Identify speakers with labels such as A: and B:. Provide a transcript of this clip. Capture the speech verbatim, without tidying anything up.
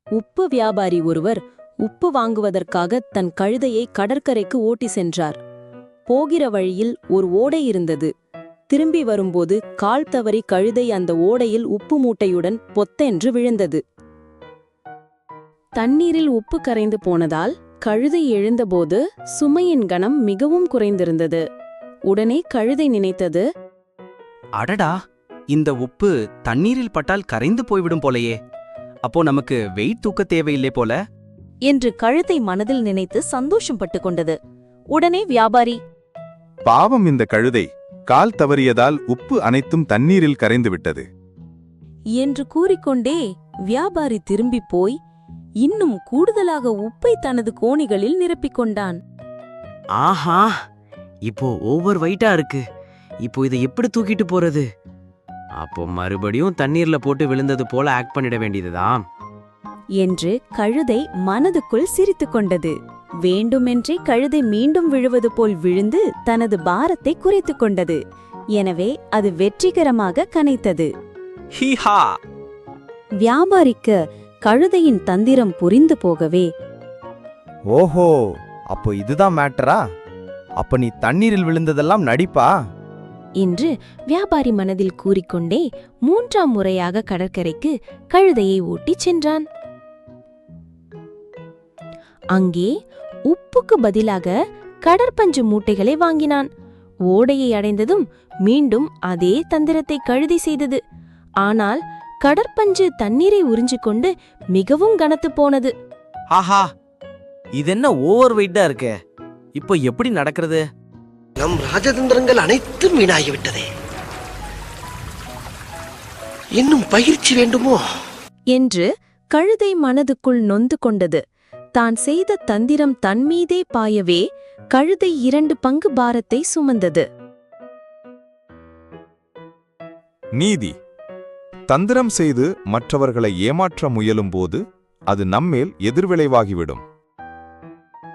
A: உப்பு வியாபாரி ஒருவர் உப்பு வாங்குவதற்காக தன் கழுதையை கடற்கரைக்கு ஓட்டி சென்றார். போகிற வழியில் ஒரு ஓடை இருந்தது. திரும்பி வரும்போது கால் தவறி கழுதை அந்த ஓடையில் உப்பு மூட்டையுடன் பொத்தென்று விழுந்தது. தண்ணீரில் உப்பு கரைந்து போனதால் கழுதை எழுந்தபோது சுமையின் கனம் மிகவும் குறைந்திருந்தது. உடனே கழுதை நினைத்தது,
B: அடடா, இந்த உப்பு தண்ணீரில் பட்டால் கரைந்து போய்விடும் போலையே. அப்போ நமக்கு வெயிட் தூக்க தேவையில்லை போல
A: என்று கழுதை மனதில் நினைத்து சந்தோஷம் பட்டு கொண்டது. உடனே வியாபாரி,
C: பாவம் இந்த கழுதை, கால் தவறியதால் உப்பு அனைத்தும் தண்ணீரில் கரைந்துவிட்டது
A: என்று கூறிக்கொண்டே வியாபாரி திரும்பி போய் இன்னும் கூடுதலாக உப்பை தனது கோணிகளில் நிரப்பிக் கொண்டான்.
B: ஆஹா, இப்போ ஓவர் வெயிட்டா இருக்கு. இப்போ இதை எப்படி தூக்கிட்டு போறது? அப்போ மறுபடியும் தண்ணீர்ல போட்டு விழுந்தது போல ஆக்ட் பண்ணிட வேண்டியதுதான்
A: என்று கழுதை மனதுக்குள் சிரித்துக் கொண்டது. வேண்டுமென்றே கழுதை மீண்டும் விழுவது போல் விழுந்து தனது பாரத்தை குறைத்துக் கொண்டது. எனவே அது வெற்றிகரமாக கனைத்தது.
B: ஹீஹா!
A: வியாபாரிக்கு கழுதையின் தந்திரம் புரிந்து போகவே,
D: ஓஹோ, அப்போ இதுதான் மேட்டரா? அப்ப நீ தண்ணீரில் விழுந்ததெல்லாம் நடிப்பா
A: என்று வியாபாரி மனதில் கூறிக்கொண்டே மூன்றாம் முறையாக கடற்கரைக்கு கழுதையை ஓட்டிச் சென்றான். அங்கே உப்புக்கு பதிலாக கடற்பஞ்சு மூட்டைகளை வாங்கினான். ஓடையை அடைந்ததும் மீண்டும் அதே தந்திரத்தை கழுதை செய்தது. ஆனால் கடற்பஞ்சு தண்ணீரை உறிஞ்சிக்கொண்டு மிகவும் கனத்து போனது.
B: ஆஹா, இதென்ன ஓவர் வெயிட்டா இருக்கு. இப்போ எப்படி நடக்கிறது?
E: நம் ராஜதந்திரங்கள் அனைத்தும் வீணாகிவிட்டதே. இன்னும் பயிற்சி வேண்டுமோ
A: என்று கழுதை மனதுக்குள் நொந்து கொண்டது. தான் செய்த தந்திரம் தன்மீதே பாயவே கழுதை இரண்டு பங்கு பாரத்தை சுமந்தது.
C: நீதி. தந்திரம் செய்து மற்றவர்களை ஏமாற்ற முயலும்போது அது நம்மேல் எதிர்விளைவாகிவிடும்.